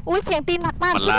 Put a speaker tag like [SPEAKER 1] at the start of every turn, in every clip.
[SPEAKER 1] อุ้ยเสียงตีนหนักมาก
[SPEAKER 2] มันล่า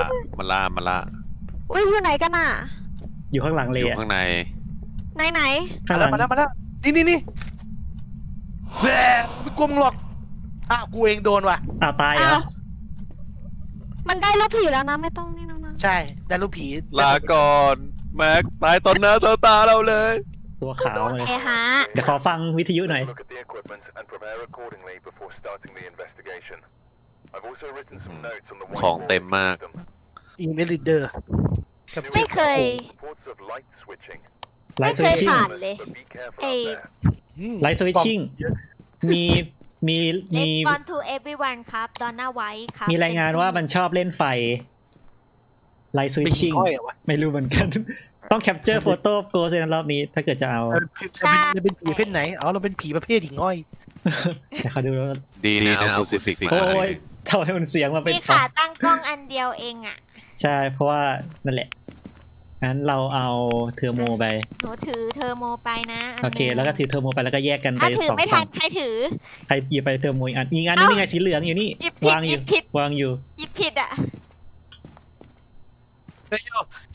[SPEAKER 1] อุ้ยอยู่ไหนกันอ่ะ
[SPEAKER 3] อยู่ข้างหลังเล
[SPEAKER 2] อย ยู่
[SPEAKER 3] อะ
[SPEAKER 2] ข้างใน
[SPEAKER 1] ไหน
[SPEAKER 3] ข้างหลัง
[SPEAKER 4] มาแล้วนี่แหวไม่กลัวมึงหรอกอ้าวกูเองโดนว่ะ
[SPEAKER 3] อ้าวตาย
[SPEAKER 1] อ้า
[SPEAKER 3] แล้ว ว
[SPEAKER 1] มันได้รถผีแล้วนะไม่ต้องนี่แล้วนะ
[SPEAKER 4] ใช่ได้รูปผี
[SPEAKER 2] ลาก่อนแม็กตายตอนหน้าต่อตาเราเลย
[SPEAKER 3] ตัวขาวเลย
[SPEAKER 1] เอฮะ
[SPEAKER 3] เดี๋ยวขอฟังวิทยุหน่อย
[SPEAKER 5] Look at the equipment and prepare accordingly before starting the investigation. I've also written some notes on the
[SPEAKER 2] ของเต็มมาก
[SPEAKER 4] อีเมลลีเดอร์
[SPEAKER 1] ไม่เคย
[SPEAKER 5] Reports of light switching,
[SPEAKER 3] ไล
[SPEAKER 1] ไม่
[SPEAKER 3] ท์ส
[SPEAKER 1] เค
[SPEAKER 3] วิ
[SPEAKER 1] ย
[SPEAKER 3] ตชิ่ง
[SPEAKER 1] ผ่านเลย
[SPEAKER 5] but be careful
[SPEAKER 1] เอ
[SPEAKER 5] out there.
[SPEAKER 3] ไลท์สวิตชิ่งมีมี
[SPEAKER 1] Let's on to everyone ครับดอนน่าไว้ครับ
[SPEAKER 3] มีรายงานว่ามันชอบเล่นไฟไลท์สวิ
[SPEAKER 4] เป็
[SPEAKER 3] ต
[SPEAKER 4] น
[SPEAKER 3] ชิ่ง
[SPEAKER 4] ค่อยเหรอวะ
[SPEAKER 3] ไม่รู้เหมือนกัน ต้องแคปเจอร์โฟโต้โกสในรอบนี้ ถ้าเกิดจะเอา
[SPEAKER 4] เราเป็นผีประเภทไหนอ๋อเราเป็นผีประเภทหิ่งห้อย
[SPEAKER 3] แต่เขาดูแล้ว
[SPEAKER 2] ดีนะเอาคูซิฟิกมา
[SPEAKER 3] โอ้ยทำไมมันเสียงมาเป็น
[SPEAKER 1] มีขาตั้งกล้องอันเดียวเองอ่ะ
[SPEAKER 3] ใช่เพราะว่านั่นแหละงั้นเราเอาเทอร์โมไป
[SPEAKER 1] หนูถือเทอร์โมไปนะน
[SPEAKER 3] โอเค แล้วก็ถือเทอร์โมไปแล้วก็แยกกันไป
[SPEAKER 1] ถ้าถือ
[SPEAKER 3] สอง
[SPEAKER 1] ไม่ทั
[SPEAKER 3] ฝั่
[SPEAKER 1] น
[SPEAKER 3] ง
[SPEAKER 1] ใครถือ
[SPEAKER 3] ใครหยิบไปเทอร์โมอีกอันอีกอันนึงนี่ไงสีเหลืองอยู่นี่
[SPEAKER 1] หยิบผิด
[SPEAKER 3] วางอ
[SPEAKER 1] หยิ
[SPEAKER 3] ยู่
[SPEAKER 1] บผิด
[SPEAKER 3] วางอยู่
[SPEAKER 1] หยิบผิดอ่ะ
[SPEAKER 4] เฮ้ย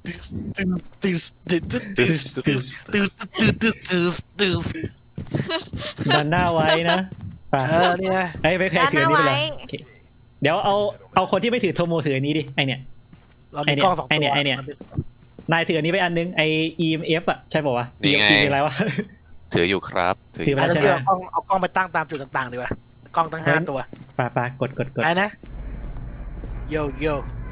[SPEAKER 4] ตื่น
[SPEAKER 3] ดันหน้าไว้นะไป
[SPEAKER 4] นี่นะ
[SPEAKER 3] ไอ้ยไปแพ้ถืออันนี้ไปเลย
[SPEAKER 1] ด้านหน้าไว้
[SPEAKER 3] โอเคเดี๋ยวเอาคนที่ไม่ถือเทอร์โมถืออันนี้ดิไอเนี่ย
[SPEAKER 4] เรามีกล้องสองตัวน
[SPEAKER 3] ายถืออันนี้ไปอันนึงไอ EMF อ่ะใช่ป่าววะ EMF คืออะไรวะ
[SPEAKER 2] ถืออยู่ครับถือ
[SPEAKER 3] ถือ
[SPEAKER 2] อ
[SPEAKER 3] ไป
[SPEAKER 2] ยู่
[SPEAKER 3] แล้วใช่ไหม
[SPEAKER 4] เอากล้องไปตั้งตามจุดต่างๆดีกว่ากล้องตั้ง5 ตัว
[SPEAKER 3] ปากด
[SPEAKER 4] ไปนะโย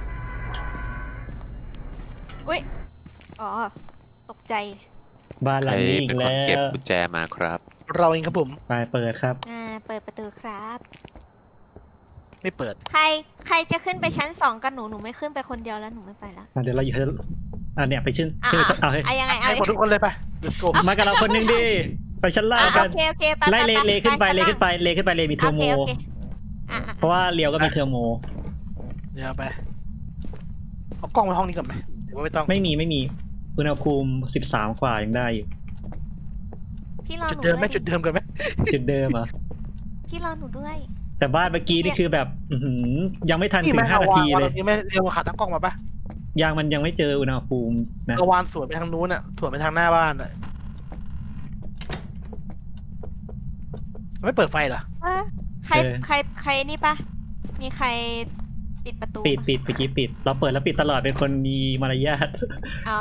[SPEAKER 1] อุ้ยอ๋อตกใจ
[SPEAKER 3] บ้านห
[SPEAKER 2] ใค
[SPEAKER 3] ลั
[SPEAKER 2] รง
[SPEAKER 3] นี้อี
[SPEAKER 2] เป็
[SPEAKER 3] ก
[SPEAKER 2] นคน
[SPEAKER 3] แล้
[SPEAKER 2] เก็บ
[SPEAKER 3] ว
[SPEAKER 2] กุญแจมาครับ
[SPEAKER 4] เราเองครับผม
[SPEAKER 3] ไปเปิดครับ
[SPEAKER 1] เปิดประตูครับ
[SPEAKER 4] ไม่เปิด
[SPEAKER 1] ใครจะขึ้นไปชั้น2กับหนูไม่ขึ้นไปคนเดียวแล้วหนูไม่ไปแล้ว
[SPEAKER 3] เดี๋ยวเราอยู่เนี่ยไปขึ้น
[SPEAKER 1] อ่ะ
[SPEAKER 3] ขึ้นไปเอาเฮ้ย
[SPEAKER 1] ยังไง
[SPEAKER 4] ให้หมดทุกคนเลยไป Let's go
[SPEAKER 3] มากับเราคนหนึงดิไปชั้นล่างกัน
[SPEAKER 1] โอเคไป
[SPEAKER 3] ไล่เลขึ้นไป
[SPEAKER 1] ชั้
[SPEAKER 3] เลขึ้นไปเลขึ้นไปเลมีเทอร์โม
[SPEAKER 1] โอเค
[SPEAKER 3] เพราะว่าเลียวก็มีเทอร์โม
[SPEAKER 4] เดี๋ยวไปเอากล้องไปห้องนี้ก่อนไหมหรือว่าไม่ต้อง
[SPEAKER 3] ไม่มีอุณหภูมิ13 กว่ายังได้อยู่
[SPEAKER 1] พี่รอ
[SPEAKER 4] จุด
[SPEAKER 1] หนู
[SPEAKER 4] เดิมไหม
[SPEAKER 1] ด้วย
[SPEAKER 4] จุดเดิมกันไหม
[SPEAKER 3] จุดเดิมเหรอ
[SPEAKER 1] พี่รอหนูด้วย
[SPEAKER 3] แต่บ้านเมื่อกี้นี่คือแบบยังไม่ทันถึง5 นาทีเลย
[SPEAKER 4] นี่ไม่เรียกว่าขาตั้งกล้องมาปะ
[SPEAKER 3] ยางมันยังไม่เจออุณหภูมินะ
[SPEAKER 4] กระวานสวนไปทางนู้นอ่ะสวนไปทางหน้าบ้านอ่ะไม่เปิดไฟเหรอ
[SPEAKER 1] ใครนี่ปะมีใครปิดประตู
[SPEAKER 3] ปิดเมื่อกี้ปิด เราเปิดแล้วปิดตลอดเป็นคนมีมารยาท
[SPEAKER 1] อ๋อ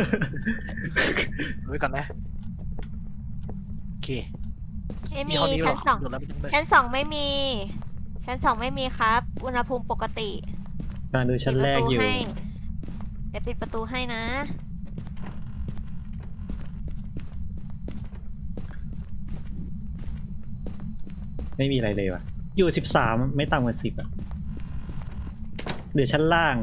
[SPEAKER 4] ไว้ก่อนนะโอเค
[SPEAKER 1] ไม่มี
[SPEAKER 4] ยี่ห้อนี้
[SPEAKER 1] ชั้น
[SPEAKER 4] หร
[SPEAKER 1] 2
[SPEAKER 4] โดนแล้วไม่ต้อง
[SPEAKER 1] ชั้น2ไม่มี ชั้น2ไม่มีครับ อุณหภูมิปกติ
[SPEAKER 3] กำลังดูชั้นแรกอยู่
[SPEAKER 1] เดี๋ยวปิดประตูให้นะ
[SPEAKER 3] ไม่มีอะไรเลยว่ะ อยู่13ไม่ต่ำกว่า10อ่ะเดี๋ยวชั้นล่าง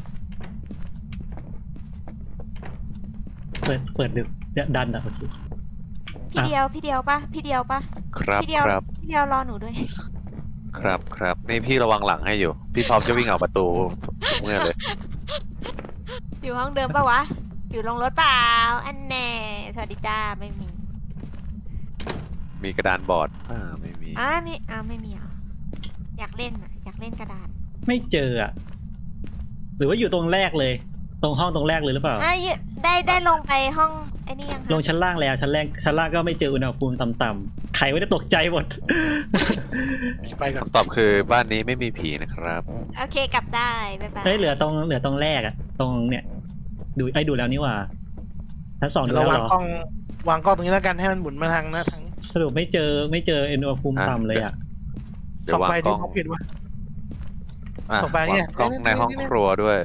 [SPEAKER 3] เปิดดึกดันอ่ะโอเค
[SPEAKER 1] พี่เดียวปะ
[SPEAKER 2] ครับ
[SPEAKER 1] พี่เดียว
[SPEAKER 2] ครับ
[SPEAKER 1] พี่เดียวรอหนูด้วย
[SPEAKER 2] ครับนี่พี่ระวังหลังให้อยู่ พี่พร้อมจะวิ่งออกประตูทุกเมื่อเลย
[SPEAKER 1] อยู่ห้องเดิมปะวะ อยู่ลงรถเปล่า อันแน่ สวัสดีจ้า ไม่มี
[SPEAKER 2] มีกระดานบอร์ดไม่มี
[SPEAKER 1] ไม่มีเหรอ อยากเล่นกระดาษ
[SPEAKER 3] ไม่เจออ่ะ หรือว่าอยู่ตรงแรกเลย ตรงห้องตรงแรกเลยหรือเปล่า
[SPEAKER 1] ได้ลงไปห้องไอ้นี่ยังคะ
[SPEAKER 3] ลงชั้นล่างแล้วชั้นล่างก็ไม่เจออุณหภูมิต่ำๆใครไม่ได้ตกใจหมด
[SPEAKER 4] ไปก่อน
[SPEAKER 2] คำตอบคือบ้านนี้ไม่มีผีนะครับ
[SPEAKER 1] โอเคกลับได้บ๊ายบาย
[SPEAKER 3] เฮ้ยเหลือตรงแรกอ่ะ ตรงเนี่ยดูแล้วนี่หว่าชั้น2ดู
[SPEAKER 4] เรา
[SPEAKER 3] แล้ว
[SPEAKER 4] วาง
[SPEAKER 3] เหรอ
[SPEAKER 4] กล้องตรงนี้แล้วกันให้มันหมุนมาทางหน้าทาง
[SPEAKER 3] สรุปไม่เจออุณหภูมิต่ำเลยอ่ะ
[SPEAKER 2] เดี๋ย
[SPEAKER 4] ส่อ
[SPEAKER 2] ว
[SPEAKER 4] ง
[SPEAKER 2] วาง
[SPEAKER 4] ไป
[SPEAKER 2] กล้
[SPEAKER 4] ที่
[SPEAKER 2] อง
[SPEAKER 4] เขาผิดวะ
[SPEAKER 2] อ่ะ
[SPEAKER 4] ส่งไปเนี่
[SPEAKER 2] วาย งกล้องในห้องครัวด้วย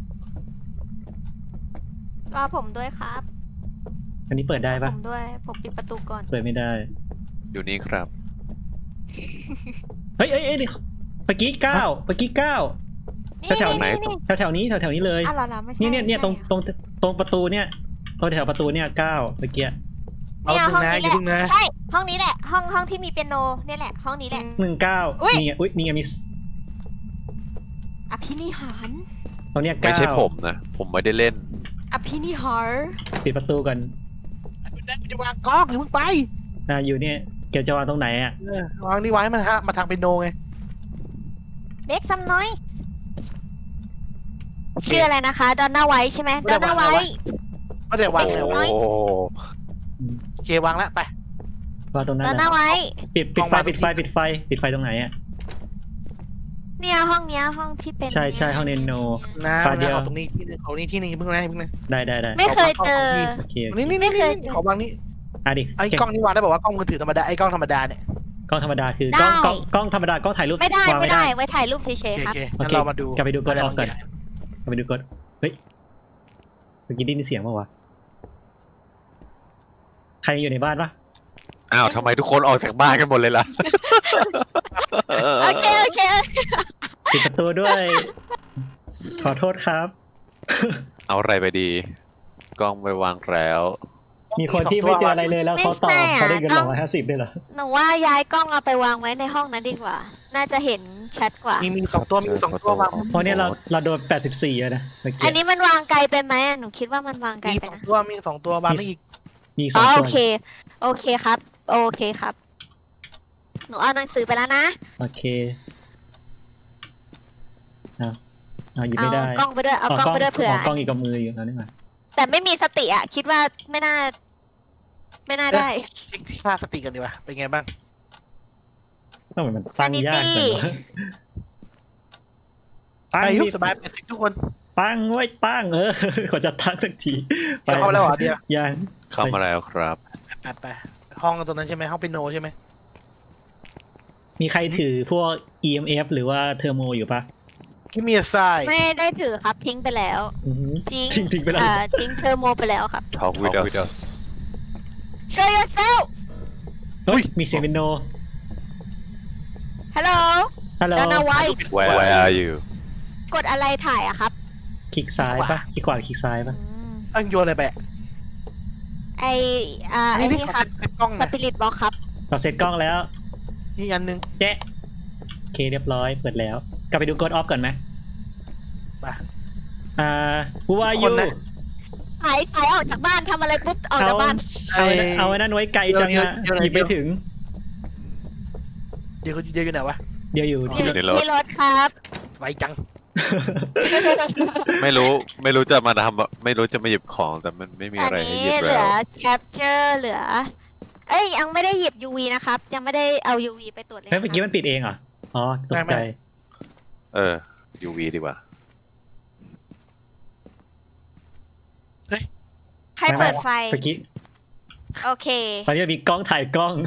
[SPEAKER 1] รอผมด้วยครับ
[SPEAKER 3] อันนี้เปิดได้ปะ
[SPEAKER 1] ผมด้วย ผมปิดประตูก่อน
[SPEAKER 3] เปิดไม่ได้
[SPEAKER 2] อยู่นี่ครับ
[SPEAKER 3] เฮ้ยเดี๋ยวเมื่อกี้9แถวๆไหน
[SPEAKER 1] นี่
[SPEAKER 3] แถวๆนี้เลย
[SPEAKER 1] อ้าวเหรอไม่ใช่
[SPEAKER 3] เนี่ยตรงประตูเนี่ยตรงแถวประตูเนี่ย9เมื่อกี้
[SPEAKER 4] เอา
[SPEAKER 1] เนี่ย
[SPEAKER 4] ดึง
[SPEAKER 1] ห้อง
[SPEAKER 4] นะ
[SPEAKER 1] นี้
[SPEAKER 4] อ
[SPEAKER 1] แห
[SPEAKER 4] ย่า
[SPEAKER 1] ละ
[SPEAKER 4] ดึงนะ
[SPEAKER 1] ใช่ ห้องนี้แหละ ห้องที่มีเปียโนเนี่ยแหละ ห้องนี้แหละ
[SPEAKER 3] 19
[SPEAKER 1] อุ๊ย
[SPEAKER 3] นี่ไงนี่ไงมี
[SPEAKER 1] อภินิหาร
[SPEAKER 3] ตรงเนี้ย9
[SPEAKER 2] ไม่ใช่ผมนะ ผมไม่ได้เล่น
[SPEAKER 1] อภินิหาร
[SPEAKER 3] ปิดประตูก่อน
[SPEAKER 4] กูจะวางกล้องหรือมึงไป
[SPEAKER 3] อยู่เนี่ยเกี่ยวจะวางตรงไหนอ่ะ
[SPEAKER 4] วางนี่ไว้มันฮะมาทางเป็นโนไง
[SPEAKER 1] เบรกซัมน้อยชื่ออะไรนะคะดอนน่าไวท์ใช่ไหมดอนน่าไวท์
[SPEAKER 4] ไม่ได้วาง
[SPEAKER 2] โอ้
[SPEAKER 4] เลยวะ
[SPEAKER 2] โห
[SPEAKER 4] โอเควางแล้วไป
[SPEAKER 3] ว่าตรงนั้น
[SPEAKER 1] ดอน
[SPEAKER 3] แห
[SPEAKER 1] น่า
[SPEAKER 3] ละ
[SPEAKER 1] ไวท์
[SPEAKER 3] ปิดไฟปิดไฟตรงไหนอ่ะ
[SPEAKER 1] เนี่ยห้องเนี้ยห้องที่เป็น
[SPEAKER 3] ใช่ห้องเนโน
[SPEAKER 4] นะ
[SPEAKER 3] ปลาเดียว
[SPEAKER 4] เอาตรงนี้ที่นึงเอานี้ที่นึงเพิ่งนะเพิ่งนะ
[SPEAKER 3] ได้
[SPEAKER 1] ไม่เคยเจอ
[SPEAKER 3] โอเค
[SPEAKER 4] นี่
[SPEAKER 1] ไม่เคยเจอ
[SPEAKER 4] ขอวางนี่
[SPEAKER 3] อ่ะดิ
[SPEAKER 4] ไอ้กล้องนี่วางได้บอกว่ากล้องมือถือธรรมดาไอ้กล้องธรรมดาเนี่ย
[SPEAKER 3] กล้องธรรมดาคือก
[SPEAKER 1] ได้
[SPEAKER 3] ล้องธรรมดากล้องถ่ายรูป
[SPEAKER 1] ไม่ได้
[SPEAKER 3] วาง
[SPEAKER 1] ไม่ได้ไว้ถ่ายรูปเฉ
[SPEAKER 4] โอย
[SPEAKER 1] ๆครับ
[SPEAKER 4] เค
[SPEAKER 3] โอ
[SPEAKER 4] งั้น
[SPEAKER 3] เค
[SPEAKER 4] เรามาดู
[SPEAKER 3] กลับไปดูกดออฟก่อน
[SPEAKER 4] ะไรบางย่าง
[SPEAKER 3] กลับไปดูกดเฮ้ยเมื่อกี้ได้ยินเสียงป่าวะใครอยู่ในบ้านปะ
[SPEAKER 2] อ้าวทำไมทุกคนออกจากบ้านกันหมดเลยล่ะ
[SPEAKER 1] โอเค
[SPEAKER 3] ปิดประตูด้วย ขอโทษครับ
[SPEAKER 2] เอาอะไรไปดี กล้องไปวางแล้ว
[SPEAKER 3] มีคนที่ไม่เจออะไรเลยแล้วเขาตอบเขาได้เงิน150ด้วยเหรอ
[SPEAKER 1] หนูว่าย้ายกล้องเอาไปวางไว้ในห้องนั้นดีกว่า น่าจะเห็นชัดกว่า
[SPEAKER 4] มีสองตัวมีสองตัววาง
[SPEAKER 3] เพราะเนี่ยเราโดน84แล้วนะเมื่อ
[SPEAKER 1] อัน
[SPEAKER 3] กี้
[SPEAKER 1] นี้มันวางไกลไปไหมอะหนูคิดว่ามันวางไกล
[SPEAKER 4] มี
[SPEAKER 1] ไป
[SPEAKER 4] สอง
[SPEAKER 1] นะ
[SPEAKER 4] ตัวมีสองตัววางไม่อีก
[SPEAKER 3] มีส
[SPEAKER 1] อ๋
[SPEAKER 3] อ
[SPEAKER 1] อง
[SPEAKER 3] ตั
[SPEAKER 1] โอ
[SPEAKER 3] ว
[SPEAKER 1] เค โอเคครับ โอเคครับ หนูเอาหนังสือไปแล้วนะ
[SPEAKER 3] โอเคเอาหยิบ
[SPEAKER 1] เอา
[SPEAKER 3] ไม่ได้
[SPEAKER 1] กล้องไปด้วย เอากล้องไปด้วยเผื่อ
[SPEAKER 3] กล้องอีกกับมืออยู่แล้วนี่หว่า
[SPEAKER 1] แต่ไม่มีสติอ่ะ คิดว่าไม่น่าได้
[SPEAKER 4] เช็คค่าสติกันดีกว่าเป็นไงบ้าง
[SPEAKER 3] ต้องเหมือนมันสร้างยากจังวะตั้ง
[SPEAKER 4] อายุ
[SPEAKER 3] ดิ
[SPEAKER 4] สบาย80ทุกคน
[SPEAKER 3] ตั้งไว้ตั้งขอจะตั้งสักที
[SPEAKER 4] เดี๋ยวเข้ามาแล้วเหรอเดียว
[SPEAKER 3] ยัง
[SPEAKER 2] เข้ามาแล้วครับ
[SPEAKER 4] ไปห้องตรงนั้นใช่ไหมห้องเปียโนใช่ไหม
[SPEAKER 3] มีใครถือพวก EMF หรือว่าเทอร์โมอยู่ปะ
[SPEAKER 4] คิมีไซ
[SPEAKER 1] ไม่ได้ถือครับ ทิ้งไปแล้ว
[SPEAKER 3] อื้อหือ
[SPEAKER 1] ทิ้ง
[SPEAKER 3] ไปแล้ว
[SPEAKER 1] ทิ้งเทอร์โมไปแล้วครับ
[SPEAKER 2] Talk with us
[SPEAKER 1] Show yourself
[SPEAKER 3] เฮ้ยมีเสียงเป็นโน
[SPEAKER 1] Hello
[SPEAKER 3] ฮัลโหล
[SPEAKER 1] Donna White
[SPEAKER 2] Where are you
[SPEAKER 1] กดอะไรถ่ายอะครับ
[SPEAKER 3] คลิกซ้ายปะคลิกขวาหรือคลิกซ้ายปะ
[SPEAKER 4] ตั้งโยนอะไรไป
[SPEAKER 1] ไอไอ
[SPEAKER 4] นี่
[SPEAKER 1] นี่ครับ
[SPEAKER 4] เป็นกล้อง
[SPEAKER 1] ส
[SPEAKER 4] นะ
[SPEAKER 1] ปิริตบ็อกครับ
[SPEAKER 3] เราเซตกล้องแล้ว
[SPEAKER 4] นี่อันนึง
[SPEAKER 3] แจ๊ะโอเคเรียบร้อยเปิดแล้ว กลับไปดูกดออฟก่อนไหม
[SPEAKER 4] ไป
[SPEAKER 3] Who are
[SPEAKER 4] ค
[SPEAKER 3] you
[SPEAKER 4] นนะ
[SPEAKER 1] สายออกจากบ้านทำอะไรปุ๊บออกจากบ้าน
[SPEAKER 3] เอาไว้นั่นไว้ไกลจังอะ
[SPEAKER 4] เดี๋ยว
[SPEAKER 3] หยิบไปถึง
[SPEAKER 4] เดี๋ยวอยู่ไหนวะ
[SPEAKER 3] เดี๋ยวอยู่
[SPEAKER 2] อยู่ในรถ
[SPEAKER 1] ที่รถครับ
[SPEAKER 4] ไวจัง
[SPEAKER 2] ไม่รู้จะมาทำไม่รู้จะมาหยิบของแต่มันไม่มี
[SPEAKER 1] อัน
[SPEAKER 2] อะไรให้
[SPEAKER 1] นี้
[SPEAKER 2] หยิบ
[SPEAKER 1] เหลื
[SPEAKER 2] แล้
[SPEAKER 1] อ
[SPEAKER 2] ว
[SPEAKER 1] capture เหลือ เอ้ยยังไม่ได้หยิบ UV นะครับ ยังไม่ได้เอา UV ไปตรวจเลย
[SPEAKER 3] เฮ้ยเมื่อกี้มันปิดเองเหรอ อ๋อตกใจ
[SPEAKER 2] UV ดีกว่า
[SPEAKER 1] ใครเปิดไฟ
[SPEAKER 3] เมื่อกี้
[SPEAKER 1] โอเค
[SPEAKER 3] ตอนนี้มีกล้องถ่ายกล้อง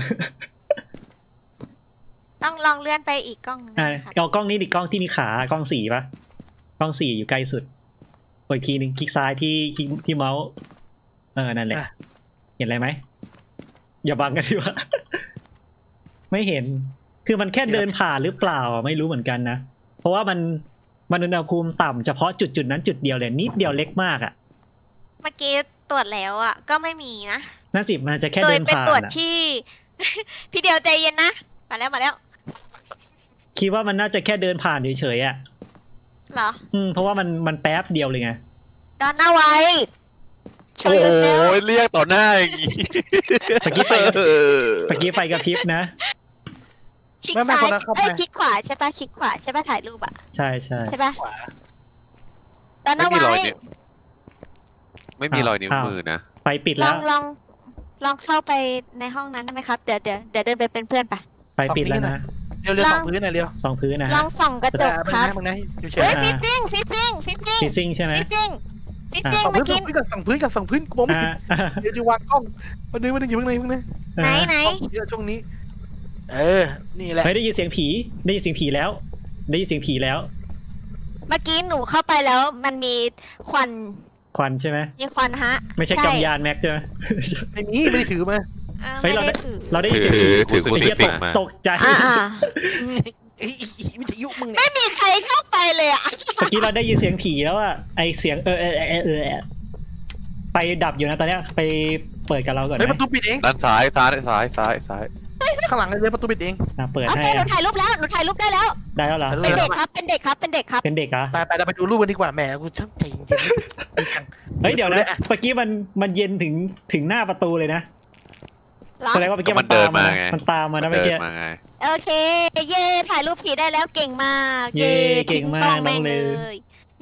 [SPEAKER 1] ต้องลองเลื่อนไปอีกกล้องหนึงนะครับ
[SPEAKER 3] เอากล้องนี้ดิกล้องที่มีขากล้อง4ปะกล้อง4อยู่ใกล้สุดกดอีกทีหนึ่งคลิกซ้ายที่เมาส์นั่นแหละ เห็นอะไรไหมอย่าบังกันดีว่า ไม่เห็น คือมันแค่เดินผ่านหรือเปล่าไม่รู้เหมือนกันนะ เพราะว่ามันอุณหภูมิต่ำเฉพาะจุดนั้นจุดเดียวเลยนิดเดียวเล็กมากอ่ะ
[SPEAKER 1] เมื่อกี้ตรวจแล้วอ่ะ ก็ไม่มีนะ
[SPEAKER 3] น่าสิมันจะแค่
[SPEAKER 1] โด
[SPEAKER 3] เดิ
[SPEAKER 1] ย
[SPEAKER 3] น
[SPEAKER 1] ไป
[SPEAKER 3] ผ่าน
[SPEAKER 1] ตรวจ
[SPEAKER 3] อะ
[SPEAKER 1] ที่ พี่เดียวใจเย็นนะ มาแล้ว
[SPEAKER 3] คิดว่ามันน่าจะแค่เดินผ่านเฉยๆอ่ะ
[SPEAKER 1] เหรอ
[SPEAKER 3] เพราะว่ามันแป๊บเดียวเลยไง
[SPEAKER 1] ดอนน่าไว้
[SPEAKER 2] โอ้ยเรียกต่อหน้าอย่างงี้
[SPEAKER 3] เมื่อกี้ไฟกระพริบนะ
[SPEAKER 1] คลิกซ้ายเอ้ยคลิกขวาใช่ปะคลิกขวาใช่ปะถ่ายรูปอะ
[SPEAKER 3] ใช่
[SPEAKER 1] ใช่ปะ
[SPEAKER 4] ขวา
[SPEAKER 1] ดอน
[SPEAKER 2] ไม่
[SPEAKER 1] น่า
[SPEAKER 2] มีร
[SPEAKER 1] ไว้
[SPEAKER 2] อยนิ้วไม่มีรอยนิ้วมือนะ
[SPEAKER 3] ไฟปิด
[SPEAKER 1] ล
[SPEAKER 3] แล้
[SPEAKER 1] อ
[SPEAKER 3] ว
[SPEAKER 1] งเข้าไปในห้องนั้นได้ไหมครับ เดี๋ยวเดินไปเป็นเพื่อนปะ
[SPEAKER 3] ไฟปิดแล้วนะ
[SPEAKER 4] เร็วสองพื้นหน่อยเร็ว
[SPEAKER 3] สองพื้นนะ
[SPEAKER 1] ล
[SPEAKER 3] ฮะ
[SPEAKER 1] องส่องกระจกครับ
[SPEAKER 4] มึงนะเฉ
[SPEAKER 1] เฮ้
[SPEAKER 4] ย
[SPEAKER 1] ยฟิตติ้ง
[SPEAKER 3] ฟิซซิ่งใช่ไหม
[SPEAKER 4] สอง
[SPEAKER 1] เมื่
[SPEAKER 4] พื้
[SPEAKER 1] อน กี้
[SPEAKER 4] กับสองพื้นกับสองพื้นกูมองไม่เห็นเดี๋ยวจะวางกล้องวันนึงอยู่ข้างใน
[SPEAKER 1] ไหน
[SPEAKER 4] เยอะช่วงนี้ นี่แหละ
[SPEAKER 3] เฮ้ยได้ยินเสียงผีแล้ว
[SPEAKER 1] เมื่อกี้หนูเข้าไปแล้วมันมีควัน
[SPEAKER 3] ควันใช่ไหม
[SPEAKER 1] มีควันฮะ
[SPEAKER 3] ไม่ใช่กำยานแม็กใช่ไหม
[SPEAKER 4] ไม่ได้ถือมา
[SPEAKER 3] เฮ้
[SPEAKER 1] ไม่
[SPEAKER 3] ย
[SPEAKER 1] ได้ถือ
[SPEAKER 3] เราได้ยินเสียงผี
[SPEAKER 2] ถือ
[SPEAKER 3] ไอ้เหี้ย
[SPEAKER 2] crucifix มา
[SPEAKER 3] ตกใจ
[SPEAKER 4] ไม่จะยุมึงเนี่ย
[SPEAKER 1] ไม่มีใครเข้าไปเลยอะ
[SPEAKER 3] เมื่อกี้เราได้ยินเสียงผีแล้วอะไอเสียงไปดับอยู่นะตอนเนี้ยไปเปิดกับเราก่อน
[SPEAKER 4] เฮ้ย
[SPEAKER 3] ไหม
[SPEAKER 4] ประตูปิดเอง
[SPEAKER 2] ด้านซ้าย
[SPEAKER 4] ข้างหลังเลยประตูปิดเอง
[SPEAKER 3] เปิด
[SPEAKER 1] โอ
[SPEAKER 3] ให้
[SPEAKER 1] เคหนูถ่ายรูปแล้วได้แล้ว
[SPEAKER 3] ได้แล้วเหรอ
[SPEAKER 4] ถ่ายรู
[SPEAKER 1] เป็นเด็กครับ เป็นเด็กครับ
[SPEAKER 3] เป็นเด็กเหรอ
[SPEAKER 4] ไปเราไปดูรูปกันดีกว่าแหมกูช่างใจเย็น
[SPEAKER 3] เฮ้ยเดี๋ยวนะเมื่อกี้มันเย็นถึงหน้าประตูเลยนะ
[SPEAKER 1] เหรอ
[SPEAKER 3] แสดงว่าเมื่อกี้
[SPEAKER 2] ก็มันเดินมาไง
[SPEAKER 3] มันตามมานะเมื่อ
[SPEAKER 2] เดิ
[SPEAKER 3] กี้
[SPEAKER 2] นมาไง
[SPEAKER 1] โอเค เย่ถ่ายรูปผีได้แล้วเก่งมาก
[SPEAKER 3] เย้เก่งมาก
[SPEAKER 1] ทิ้กล้อแม่
[SPEAKER 3] น้อง
[SPEAKER 1] เล
[SPEAKER 3] ลือ
[SPEAKER 1] ย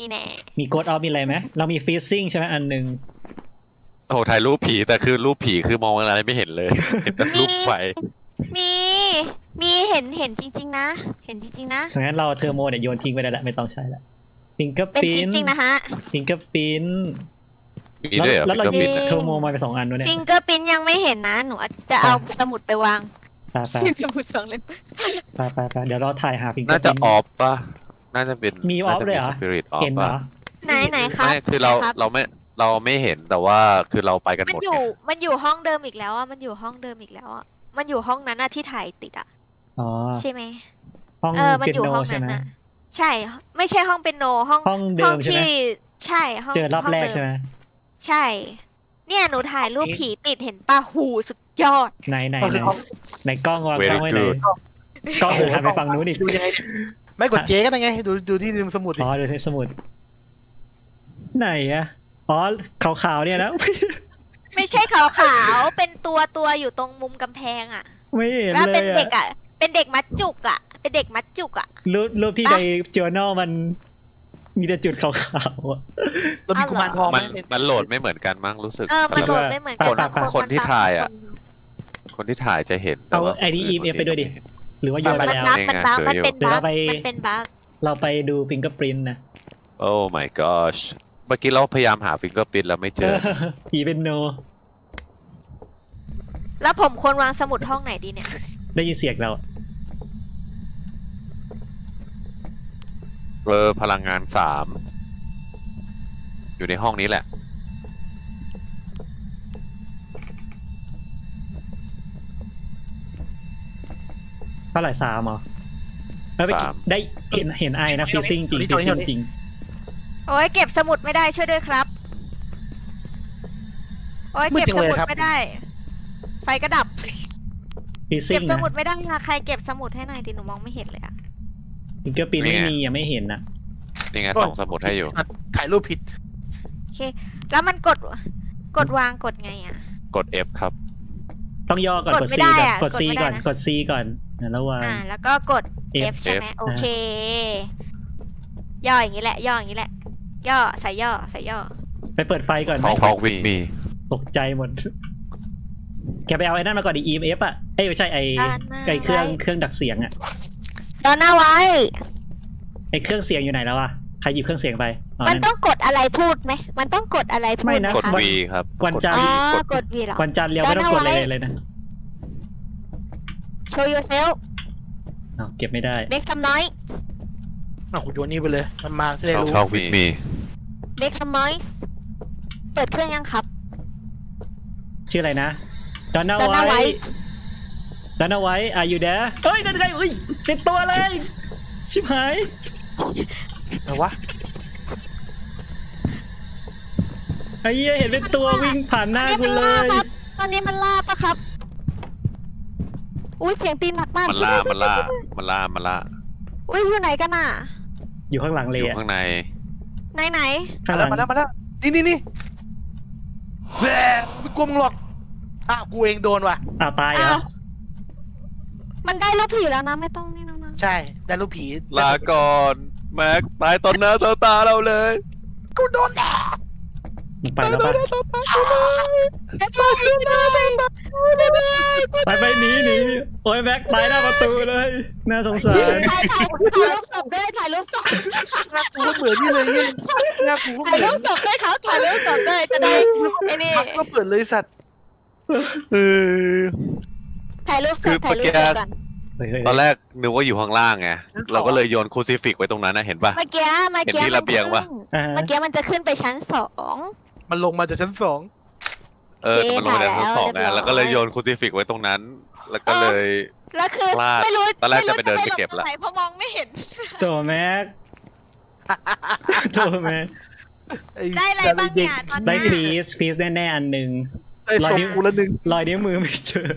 [SPEAKER 1] นี่แน่
[SPEAKER 3] มีโกดออฟมีอะไรไหมเรามีฟีซซิ่งใช่ไหมอันหนึ่ง
[SPEAKER 2] โอ้โหถ่ายรูปผีแต่คือรูปผีคือมองอะไรไม่เห็นเลย เห็นแต่รูปไฟ
[SPEAKER 1] มีเห็นจริงๆนะ เห็นจริงๆนะ
[SPEAKER 3] ดังนั้นเราเทอร์โมเนี่ยโยนทิ้งไปได้แล้วไม่ต้องใช้แล้วฟิงเกอร์
[SPEAKER 1] เป็น
[SPEAKER 3] ปิ้
[SPEAKER 1] ฟิ
[SPEAKER 3] น
[SPEAKER 1] ซซิ่งนะฮะ
[SPEAKER 3] ฟิงเกอร์ปิ้น
[SPEAKER 2] มีด้วยเหรอ
[SPEAKER 3] แล้วเรา
[SPEAKER 2] ฟิง
[SPEAKER 3] หยิ
[SPEAKER 2] เกอร์
[SPEAKER 3] บ
[SPEAKER 2] ปิ้น
[SPEAKER 3] เทอร์โมมาไป2 อันด้วยเนี่ย
[SPEAKER 1] ฟิงเกอร์ปิ้นยังไม่เห็นนะ หนูจะเอาสมุดไปวาง
[SPEAKER 3] ไป
[SPEAKER 1] สมุด2 เล่ม
[SPEAKER 3] ไปเดี๋ยวเราถ่ายหาฟิงเกอ
[SPEAKER 2] น่า
[SPEAKER 3] ร์
[SPEAKER 2] จะ
[SPEAKER 3] ปิ้น
[SPEAKER 2] ออฟป่ะน่าจะเป็น
[SPEAKER 3] มีออฟเลยเหรอ
[SPEAKER 2] สปิริตออฟ
[SPEAKER 3] เห็นเหร
[SPEAKER 2] ป่ะ
[SPEAKER 3] อ
[SPEAKER 1] ไหนครับ
[SPEAKER 2] ไม่คือเรา
[SPEAKER 1] ครับ
[SPEAKER 2] เราไม่เห็นแต่ว่าคือเราไปกันห
[SPEAKER 1] มัน
[SPEAKER 2] มด
[SPEAKER 1] อยู่
[SPEAKER 2] ไง
[SPEAKER 1] มันอยู่ห้องเดิมอีกแล้วอ่ะ มันอยู่ห้องเดิมอีกแล้วอ่ะ มันอยู่ห้องนั้นอะที่ถ่ายติดอ่ะ
[SPEAKER 3] อ๋อ
[SPEAKER 1] ใช่ไหม
[SPEAKER 3] ห้อง
[SPEAKER 1] มัน
[SPEAKER 3] เปีย
[SPEAKER 1] อยู่
[SPEAKER 3] โน
[SPEAKER 1] ห้อง
[SPEAKER 3] ใช่
[SPEAKER 1] นั้น
[SPEAKER 3] ไหม
[SPEAKER 1] อ่ะ ใช่ ไม่ใช่ห้องเป็นโนห้อง
[SPEAKER 3] ห้องเดิมใช่ไหม
[SPEAKER 1] ที่ใช่ห้อง
[SPEAKER 3] เจอรอบแรก
[SPEAKER 1] ห้งเดิ
[SPEAKER 3] ใช่ไหม
[SPEAKER 1] ใช่ เนี่ยหนูถ่ายรูปผีติดเห็นป่ะหูสุดยอด
[SPEAKER 3] ไหน
[SPEAKER 4] ก็คือเขา
[SPEAKER 3] ไหนกล้องวาง
[SPEAKER 2] Very
[SPEAKER 3] กล้องไว้ไหน
[SPEAKER 2] good
[SPEAKER 3] กล้องหันไปฝั่งนู้นอีก
[SPEAKER 4] ดูยังไงเนี่ยไม่กดเจ๊ก็ได้ไงดูที่ริมสมุดดิ
[SPEAKER 3] อ๋อดูในสมุด ไหนอะอ๋อขาวๆเนี่ยนะ
[SPEAKER 1] ไม่ใช่ขาวๆ เป็นตัวอยู่ตรงมุมกำแพงอ่ะ
[SPEAKER 3] ไม่เห็น
[SPEAKER 1] แล้ว
[SPEAKER 3] เล
[SPEAKER 1] เป็น
[SPEAKER 3] ย
[SPEAKER 1] เด็ก
[SPEAKER 3] อะ
[SPEAKER 1] อ่ะ เป็นเด็กมัดจุกอ่ะ เป็นเด็กมัดจุกอ่ะ
[SPEAKER 3] รูปที่ใน journal มันมีแต่จุดขาวๆอะ
[SPEAKER 4] เรามีกุมารทองไห
[SPEAKER 2] มันโหลดไม่เหมือนกันมั้งรู้สึก
[SPEAKER 1] มันโหลด
[SPEAKER 3] แต่ว่า
[SPEAKER 1] ไม่เหมือนกัน
[SPEAKER 3] คน
[SPEAKER 1] บาง
[SPEAKER 2] คนที่
[SPEAKER 1] มั
[SPEAKER 2] ถ่ายอะ
[SPEAKER 1] บง
[SPEAKER 2] คนที่ถ่ายจะเห็นแต่
[SPEAKER 3] เอา
[SPEAKER 2] ว่า
[SPEAKER 3] ไอดี EMF ไปด้วยดิ หรือว่าโย
[SPEAKER 1] คน
[SPEAKER 3] นไป
[SPEAKER 1] มัน
[SPEAKER 3] แล้ว
[SPEAKER 1] บั๊กมันบั๊ก
[SPEAKER 2] นี่ไง
[SPEAKER 1] มันเป็น
[SPEAKER 3] เดี๋ยว
[SPEAKER 1] บั๊
[SPEAKER 3] เรา
[SPEAKER 1] ก
[SPEAKER 3] ไป
[SPEAKER 1] มันเป็นบั๊ก
[SPEAKER 3] เราไปดู fingerprint นะ
[SPEAKER 2] โอ้ my gosh เมื่อกี้เราพยายามหาฟิงเกอร์ปิ้นแล้วไม่เจอ
[SPEAKER 3] ผีเป็นโน
[SPEAKER 1] แล้วผมควรวางสมุดห้องไหนดีเนี่ย
[SPEAKER 3] ได้ยินเสียงเรา
[SPEAKER 2] พลังงาน3อยู่ในห้องนี้แหละ
[SPEAKER 3] เท่าไหร่3เหรอแล้วไป
[SPEAKER 2] 3
[SPEAKER 3] ได้เห็นไอนะฟีซิ่งจริงฟีซิ่งจริง
[SPEAKER 1] โอ้ยเก็บสมุดไม่ได้ช่วยด้วยครับ โอ้ยเก็บสมุดไม่ได้ ไฟก็ดับ
[SPEAKER 3] ฟีซิ่
[SPEAKER 1] เก็
[SPEAKER 3] ง
[SPEAKER 1] บส
[SPEAKER 3] นะ
[SPEAKER 1] มุดไม่ได้นะใครเก็บสมุดให้หน่อยดิหนูมองไม่เห็นเลยอะ
[SPEAKER 3] fingerprint ไม่มียังไม่เห็นนะ
[SPEAKER 2] นี่ไงส่งสมุดให้อยู่
[SPEAKER 4] ถ่ายรูปผิด
[SPEAKER 1] โอเค แล้วมันกดวางกดไงอะ
[SPEAKER 2] กด F ครับ
[SPEAKER 3] ต้องย่อก่อน
[SPEAKER 1] ก
[SPEAKER 3] ก
[SPEAKER 1] ด
[SPEAKER 3] ด
[SPEAKER 1] ไม่
[SPEAKER 3] C
[SPEAKER 1] ได้
[SPEAKER 3] ก่อน
[SPEAKER 1] อะ
[SPEAKER 3] กด C
[SPEAKER 1] กดไม่ได้
[SPEAKER 3] ก่อน
[SPEAKER 1] นะ
[SPEAKER 3] กด C ก่อนแล้ววาง
[SPEAKER 1] แล้วก็กด
[SPEAKER 3] F
[SPEAKER 1] F ใช่ไหม
[SPEAKER 2] F
[SPEAKER 1] โอเค ย่ออย่างนี้แหละ ย่ออย่างนี้แหละ ย่อใส่ย่อใส่ย่อ
[SPEAKER 3] ไปเปิดไฟก่อนไหม
[SPEAKER 2] Talk with me
[SPEAKER 3] ตกใจหมด แกไปเอาไอ้นั่นมาก่อนดิ EMF อ่ะเอ้ยไม่ใช่ไอ้
[SPEAKER 1] ด้านหน้า
[SPEAKER 3] ไอ้เครื่อง
[SPEAKER 1] ไว้
[SPEAKER 3] เครื่องดักเสียงอ่ะ
[SPEAKER 1] ตอนหน้าไว้
[SPEAKER 3] ไอ้เครื่องเสียงอยู่ไหนแล้วอ่ะใครหยิบเครื่องเสียงไปอ๋อ
[SPEAKER 1] มัน
[SPEAKER 3] นั่น
[SPEAKER 1] ต้องกดอะไรพูดไหม มันต้องกดอะไรพู
[SPEAKER 3] ไม่
[SPEAKER 1] ดไหม
[SPEAKER 3] นะ
[SPEAKER 2] กด
[SPEAKER 1] คะ
[SPEAKER 2] V ครับ
[SPEAKER 3] วันจันท
[SPEAKER 1] อ๋
[SPEAKER 3] ร์
[SPEAKER 1] อกด V เหรอ
[SPEAKER 3] วันจันทร์เรียวไม่ต้องกด
[SPEAKER 1] ด้านหน้า
[SPEAKER 3] เลย
[SPEAKER 1] ไว้
[SPEAKER 3] เลยนะ
[SPEAKER 1] show yourself
[SPEAKER 3] อ้าวเก็บไม่ได้
[SPEAKER 1] make some noise
[SPEAKER 4] คุณโยนนี่ไปเลยมันมาจะได้รู้
[SPEAKER 2] Talk with me
[SPEAKER 1] make some noise เปิดเครื่องยังครับ
[SPEAKER 3] ชื่ออะไรนะดอนน่า
[SPEAKER 1] Donna
[SPEAKER 3] ไว
[SPEAKER 1] White
[SPEAKER 3] ดอนน่าไวอายุเดะเฮ้ยนั่นไงอุ้ยเป็นตัวเลย ชิบหาย
[SPEAKER 4] แต่วะ
[SPEAKER 3] ไอ้เหี้ยเห็นเป็นตัววิ่งผ่านหน้ากูเลย
[SPEAKER 1] ตอนนี้มันล่าปะครับ อุ้ยเสียงตีนหนักมาก
[SPEAKER 2] มันล่า
[SPEAKER 1] อุ้ยอยู่ไหนกันน่ะ
[SPEAKER 3] อยู่ข้างหลังเล
[SPEAKER 2] อย ยู่
[SPEAKER 3] อะ
[SPEAKER 2] ข้างใน
[SPEAKER 1] ไหน
[SPEAKER 3] ข้างหลัง
[SPEAKER 4] มาแล้วนี่แหมไม่กลัวมึงหรอกกูเองโดนว่ะ
[SPEAKER 3] อ้าวตายเหร
[SPEAKER 1] อ้า
[SPEAKER 3] อ
[SPEAKER 1] วมันได้รูปผีแล้วนะไม่ต้องนี่แล้วนะ
[SPEAKER 4] ใช่ได้รูปผี
[SPEAKER 2] ลาก่อนแม็กตายตอนหน้าต่อตาเราเลย
[SPEAKER 4] กูโดนแดด
[SPEAKER 3] มันไปแล้วปะ ไปหนีโอ้ยแม็กตายหน้าประตูเลย น่าสงสาร
[SPEAKER 1] ถ่ายรูปศพด้วยถ่ายรูปศพ
[SPEAKER 4] หน้ากูก็เหมือนนี่เลยเนี่ยหน้ากูก็
[SPEAKER 1] ถ่าย
[SPEAKER 4] เหมื
[SPEAKER 1] รู
[SPEAKER 4] อน
[SPEAKER 1] ปศพด้วยเขาถ่ายรูปศพด้วยจะได้ไอ้นี่
[SPEAKER 4] ก็เปิดเลยสัตว์
[SPEAKER 2] เออ
[SPEAKER 1] ถ่ายรูปศ
[SPEAKER 2] คือ
[SPEAKER 1] พถ่ายรูป
[SPEAKER 2] เมื่อกี้
[SPEAKER 1] ศพกัน
[SPEAKER 2] ตอนแรกนึกว่าอยู่ข้างล่างไงเราก็เลยโยนครูซิฟิกไว้ตรงนั้นนะเห็นปะ
[SPEAKER 1] เมื่อกี้
[SPEAKER 2] เห็นที่ระเบียงปะ
[SPEAKER 1] เมื่อกี้มันจะขึ้นไปชั้น2
[SPEAKER 4] มันลงมาจากชั้น 2
[SPEAKER 2] แต่มันลงมาจากชั้นสอง
[SPEAKER 1] เรี
[SPEAKER 2] ไง
[SPEAKER 1] ยบร้อย
[SPEAKER 2] แล้วก็เลยโยนครูซิฟิกไว้ตรงนั้น แล้วก็เลย
[SPEAKER 1] แล้วคือ
[SPEAKER 2] พลาด
[SPEAKER 1] ไม่รู้
[SPEAKER 2] ตอนแรกจะไปเดินไปเก็บละ
[SPEAKER 1] ม่รู้จหนเพราะมองไม่เห็น
[SPEAKER 3] ตัวแม็กตัวแม็ก
[SPEAKER 1] ได้อะไรบ้างเนี่ยตอน
[SPEAKER 3] ได้
[SPEAKER 1] เนี้ย
[SPEAKER 3] พีซแน่ๆอันหนึ่ง
[SPEAKER 4] ได้ส่งกูละหนึ่ง
[SPEAKER 3] รอยนิ้วมือไม่เจอ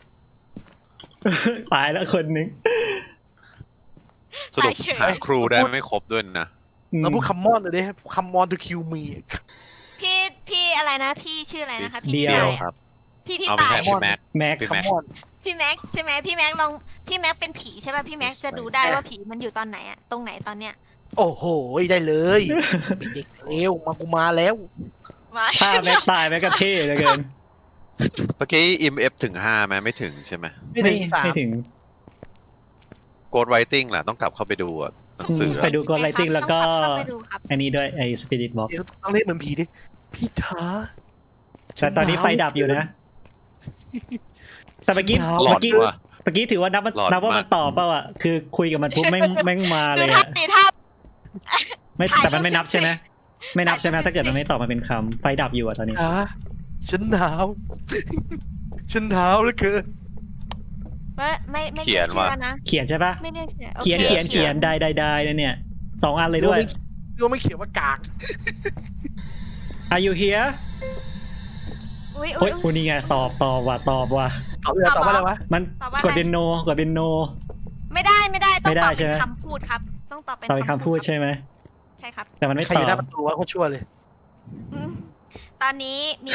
[SPEAKER 3] ตายแล้วคนหนึง
[SPEAKER 2] สรุปหาครูได้ไม่ครบด้วยนะ
[SPEAKER 4] แล้วพูดคัมมอนเลยดิคัมมอนทูคิวมี
[SPEAKER 1] พี่อะไรนะ พี่ชื่ออะไรนะคะพี่
[SPEAKER 3] เดี
[SPEAKER 1] ที่
[SPEAKER 3] ยว
[SPEAKER 1] ตาย
[SPEAKER 2] ค
[SPEAKER 1] อะ
[SPEAKER 2] รับ
[SPEAKER 1] พี่ที่
[SPEAKER 2] เอาไม่
[SPEAKER 1] ตาย
[SPEAKER 2] ใช่พี่แม็ก
[SPEAKER 3] แม็ก
[SPEAKER 2] พี่
[SPEAKER 4] คัม
[SPEAKER 2] แม็ก
[SPEAKER 4] มอน
[SPEAKER 1] พี่แม็กใช่ไหมพี่แม็กลองพี่แม็กเป็นผีใช่ป่ะพี่แม็กจะดูได้ว่าผีมันอยู่ตอนไหนอะตรงไหนตอนเนี้ย
[SPEAKER 4] โอ้โหได้เลยเด็กเลวมากูมาแล้ว
[SPEAKER 1] มา
[SPEAKER 3] ถ้าแม็กตายแม็กก็เท่เหลือเกิน
[SPEAKER 2] เมื่อกี้ EMF ถึง5ไหมไม่ถึงใช่ไหม
[SPEAKER 4] ไม่ถึงสาม
[SPEAKER 3] ไม่ถึง
[SPEAKER 2] Ghost Writing ล่ะต้องกลับเข้าไปดูอะหนังสือ
[SPEAKER 3] ไป
[SPEAKER 2] อะ
[SPEAKER 3] ดูกดไลติ้งแล้วก็
[SPEAKER 1] ต้องไปดูครับ
[SPEAKER 3] อันนี้ด้วยไอ้สปิริตบ็อก
[SPEAKER 4] เดี๋ยวต้องเรียกเหมือนผีดิพี่ท้า
[SPEAKER 3] แต่ตอนนี้ไฟดับอยู่นะ แต่เมื่อกี้
[SPEAKER 2] หลอ
[SPEAKER 3] เมื่
[SPEAKER 2] ด
[SPEAKER 3] อกี้
[SPEAKER 2] ว่ะ
[SPEAKER 3] เมื่อกี้ถือว่านับ
[SPEAKER 2] หลอด
[SPEAKER 3] นับว่า
[SPEAKER 2] มา
[SPEAKER 3] มันตอบเปล่าอ่ะคือคุยกับมันปุ๊บแม่งมาเลย
[SPEAKER 1] ดูท่า
[SPEAKER 3] อ่ะ
[SPEAKER 1] ตีท่า
[SPEAKER 3] ไม่
[SPEAKER 1] ถ่าย
[SPEAKER 3] แต่มันไม่
[SPEAKER 1] รูป
[SPEAKER 3] นับใช่ไหมไม่นับใช่ไหม
[SPEAKER 1] ถ่ายรูป
[SPEAKER 3] ถ้าเกิดมันไม่ตอบมาเป็นคำไฟดับอยู่อ่ะตอนนี้
[SPEAKER 4] ท้าฉันหนาว ฉันหนาวเหลือเกิน
[SPEAKER 1] ไม่
[SPEAKER 2] เขียน
[SPEAKER 1] รีกชื่อ
[SPEAKER 2] ว่า
[SPEAKER 1] แล้วนะ
[SPEAKER 3] เขียนใช่ปะ
[SPEAKER 1] ไม่เรียกชื่อโอค
[SPEAKER 3] เขียนได้เนี่ย2 อันเลยด้วย
[SPEAKER 4] ดูไม่เขียนว่ากาก
[SPEAKER 3] Are you here
[SPEAKER 1] อุ้ย
[SPEAKER 3] โอ้ยนี่ไงตอบว่ะ
[SPEAKER 4] ตอบว่าอะไรวะ
[SPEAKER 3] มัน
[SPEAKER 1] ตอบว่าอะไร
[SPEAKER 3] กดเป็นโนกดเป็นโน
[SPEAKER 1] ไม่ได้ต้อง
[SPEAKER 3] ไม่ได้
[SPEAKER 1] ตอบ
[SPEAKER 3] ใช่
[SPEAKER 1] เป็
[SPEAKER 3] ไหม
[SPEAKER 1] นคำพูดครับ ต้องตอบเป็น
[SPEAKER 3] ตอบเป็นคำพูดใช่ไหม
[SPEAKER 1] ใช่ครับ
[SPEAKER 3] แต่มันไม่
[SPEAKER 4] ใคร
[SPEAKER 3] ต
[SPEAKER 4] อ
[SPEAKER 3] อยู่
[SPEAKER 4] หน้า
[SPEAKER 3] บ
[SPEAKER 4] ประตูวะโคตรชั่วเลย
[SPEAKER 1] ตอนนี้มี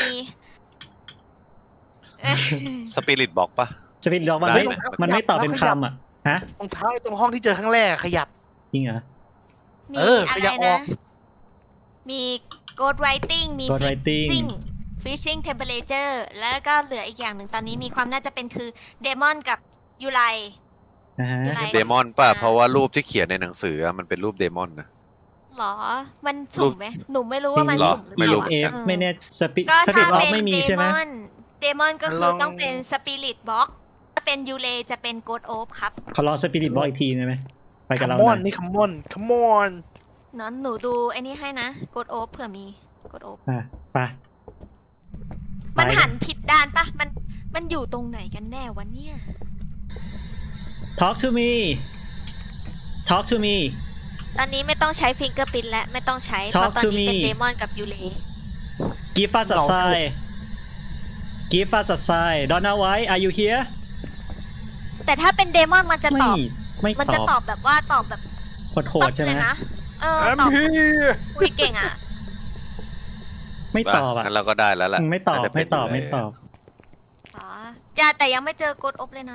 [SPEAKER 2] Spirit Box ปะ
[SPEAKER 3] สปิริตบ็อกมัน
[SPEAKER 2] ได้
[SPEAKER 3] ไม่
[SPEAKER 2] ไหม
[SPEAKER 3] มันไม่ตอบเป็นคำอ่ะฮะ
[SPEAKER 4] รองเท้าตรงห้องที่เจอครั้งแรกขยับ
[SPEAKER 3] จริงเหรอ
[SPEAKER 1] มี
[SPEAKER 4] เออ
[SPEAKER 1] อะ
[SPEAKER 4] ข
[SPEAKER 1] ไร
[SPEAKER 4] ยับออ
[SPEAKER 1] นะ
[SPEAKER 4] ก
[SPEAKER 1] มี Ghost Writing มี
[SPEAKER 3] Ghost Writing
[SPEAKER 1] Freezing Temperature แล้วก็เหลืออีกอย่างหนึ่งตอนนี้มีความน่าจะเป็นคือ Demon กับยูไล
[SPEAKER 3] นะฮะ
[SPEAKER 1] อะไร
[SPEAKER 2] เดมอนป่ะเพราะว่ารูปที่เขียนในหนังสืออะมันเป็นรูปเดมอนนะ
[SPEAKER 1] หรอ มันสุ่มไหมหนูไม่รู้ว่ามัน
[SPEAKER 2] หรอ
[SPEAKER 1] สุ่มหรือ
[SPEAKER 2] ไม่รู้
[SPEAKER 1] เป
[SPEAKER 3] เอ
[SPEAKER 1] ล่า
[SPEAKER 3] ฟ
[SPEAKER 1] อะ
[SPEAKER 3] ไม่แน่สปิ
[SPEAKER 1] ก็
[SPEAKER 3] สปิริ
[SPEAKER 1] ถ้า
[SPEAKER 3] ตบ็อก
[SPEAKER 1] เป็น
[SPEAKER 3] ไม่มีใช่ไหม
[SPEAKER 1] เดมอนก็คื
[SPEAKER 4] ล
[SPEAKER 1] อ
[SPEAKER 4] อง
[SPEAKER 1] ต้องเป็น Spirit Box ถ้าเป็นยูเลจะเป็น Ghost Orb ครับ
[SPEAKER 3] ขอรอสปิริตบ็อกอีกทีได้ไหมไปกับเรา
[SPEAKER 4] คัมมอน
[SPEAKER 3] หน่อย
[SPEAKER 4] นี่คัมมอนคัมมอน
[SPEAKER 1] เนอะหนูดูไอ้นี่ให้นะ Ghost Orb เผื่อมี Ghost Orb
[SPEAKER 3] อ่ะไป
[SPEAKER 1] มัน
[SPEAKER 3] ไป
[SPEAKER 1] หันผิดด้านปะมันอยู่ตรงไหนกันแน่วะเนี่ย
[SPEAKER 3] Talk to me Talk to me
[SPEAKER 1] ตอนนี้ไม่ต้องใช้ฟิงเกอร์ปินและไม่ต้องใช้เพ
[SPEAKER 3] Talk
[SPEAKER 1] ราะตอน
[SPEAKER 3] to
[SPEAKER 1] นี้เป็น
[SPEAKER 3] me
[SPEAKER 1] เดมอนกับยูเล
[SPEAKER 3] Give us a sign Give us a sign Donna White Are you here
[SPEAKER 1] แต่ถ้าเป็นเดมอนมันจะตอบ
[SPEAKER 3] ไม่
[SPEAKER 1] มัน
[SPEAKER 3] ต
[SPEAKER 1] จะ
[SPEAKER 3] อบ
[SPEAKER 1] ตอบแบบว่าตอบแบบ
[SPEAKER 3] โหดๆใช่ไหม
[SPEAKER 1] เลยนะเออ
[SPEAKER 4] แอม
[SPEAKER 1] ตอบ
[SPEAKER 4] พี
[SPEAKER 1] คุยเก่งอ่ะ
[SPEAKER 3] ไม่ตอบอ่ะ
[SPEAKER 2] งั้นเราก็ได้แล้วล่ะ
[SPEAKER 3] ไม่ตอบ
[SPEAKER 2] น่าจะเป็
[SPEAKER 3] ไม่
[SPEAKER 2] น
[SPEAKER 3] ตอบ
[SPEAKER 2] ยู่
[SPEAKER 3] ไม่
[SPEAKER 2] แล้ว
[SPEAKER 3] ตอบ
[SPEAKER 1] อ๋อจ้าแต่ยังไม่เจอโกดอบเลยนะ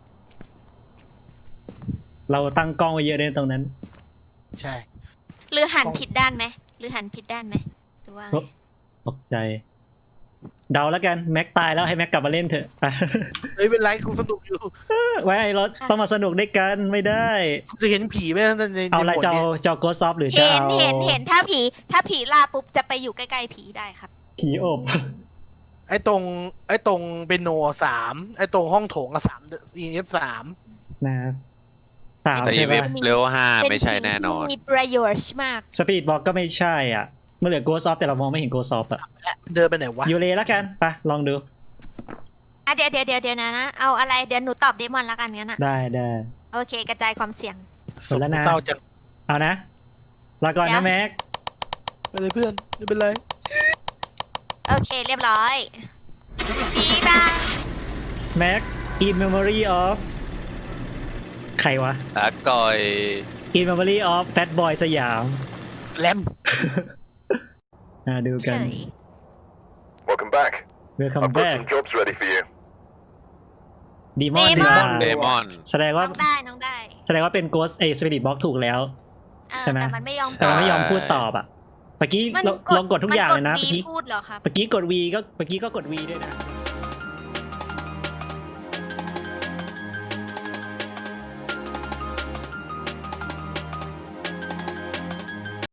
[SPEAKER 3] เราตั้งกล้องไว้เยอะเลยตรงนั้น
[SPEAKER 4] ใช่
[SPEAKER 1] หรือหันผิดด้านไหมหรือหันผิดด้านไหมหรือว่าไง
[SPEAKER 3] ตกใจ เดาแล้วกันแม็กตายแล้วให้แม็กกลับมาเล่นเถอะ ไป
[SPEAKER 4] เฮ้ยเป็นไรกูสนุกอยู่
[SPEAKER 3] ไว้เราต้องมาสนุกด้วยกันไม่ได้
[SPEAKER 4] กูจะเห็นผีไหมใน
[SPEAKER 3] เอาอะไร
[SPEAKER 4] บท
[SPEAKER 3] จะ
[SPEAKER 4] นี่
[SPEAKER 3] เอา
[SPEAKER 4] ย
[SPEAKER 3] จะโกซอฟหรือจะ
[SPEAKER 1] เห็น
[SPEAKER 3] เอา
[SPEAKER 1] เห็นถ้าผีลาปุ๊บจะไปอยู่ใกล้ๆผีได้ครับ
[SPEAKER 3] ผีอบ
[SPEAKER 4] ไอ้ตรงเปนโน3ไอ้ตรงห้องโถงอะ3 EF 3
[SPEAKER 3] นะครับสาม
[SPEAKER 2] แต่
[SPEAKER 3] ใช่
[SPEAKER 2] อีเว
[SPEAKER 3] ปะ
[SPEAKER 2] ฟเลเวล5ไม่ใช่แน่นอน
[SPEAKER 1] มีประโยชน์มาก
[SPEAKER 3] สปีดบอกก็ไม่ใช่อ่ะเมื่อเหลือโกซอฟแต่เรามองไม่เห็นโกซอฟอ่ะ
[SPEAKER 4] เดินไปไหนวะ
[SPEAKER 3] ยูเลแล้วกันไปลองดู
[SPEAKER 1] อ่ะเดี๋ยวนะเอาอะไรเดี๋ยวหนูตอบเดมอนละกันงั้นอ่ะ
[SPEAKER 3] ได้ได้
[SPEAKER 1] โอเคกระจายความเสี่ยง
[SPEAKER 3] หมดแล้วนะ
[SPEAKER 4] เศร้าจัง
[SPEAKER 3] เอานะลาก่อน
[SPEAKER 1] เดี๋ย
[SPEAKER 3] นะ
[SPEAKER 1] ว
[SPEAKER 3] แม็ก
[SPEAKER 4] ไปเลยเพื่อนไม่เป็นไร
[SPEAKER 1] โอเคเรียบร้อยผีบ้า
[SPEAKER 3] แม็ก in memory of ใครวะ
[SPEAKER 2] อาก่อย
[SPEAKER 3] in memory of Fat Boy สยาม
[SPEAKER 4] แรม
[SPEAKER 3] ดู
[SPEAKER 1] เฉ
[SPEAKER 3] กัน
[SPEAKER 1] ย
[SPEAKER 5] Welcome back.
[SPEAKER 3] welcome
[SPEAKER 5] I've got
[SPEAKER 3] back
[SPEAKER 5] some jobs ready for you.
[SPEAKER 3] ดีมอน
[SPEAKER 1] Demon
[SPEAKER 3] ดีกว่า
[SPEAKER 2] เดมอน
[SPEAKER 3] แสดงว่า
[SPEAKER 1] น้องได้น้องได้
[SPEAKER 3] แสดงว่าเป็น Ghost Spirit Box ถูกแล้ว ใช่ไหม
[SPEAKER 1] แต่มันไม่ยอม
[SPEAKER 3] แต่มันไม่ยอม
[SPEAKER 2] ใช่
[SPEAKER 3] พูดตอบอ่ะเมื่อกี้ลองกดทุกอย่างเลยนะ
[SPEAKER 1] มัน
[SPEAKER 3] เมื่อก
[SPEAKER 1] ด
[SPEAKER 3] กี้
[SPEAKER 1] V พูดเหรอครับ
[SPEAKER 3] เมื่อกี้กด V ก็เมื่อกี้ก็กด V ด้วยนะ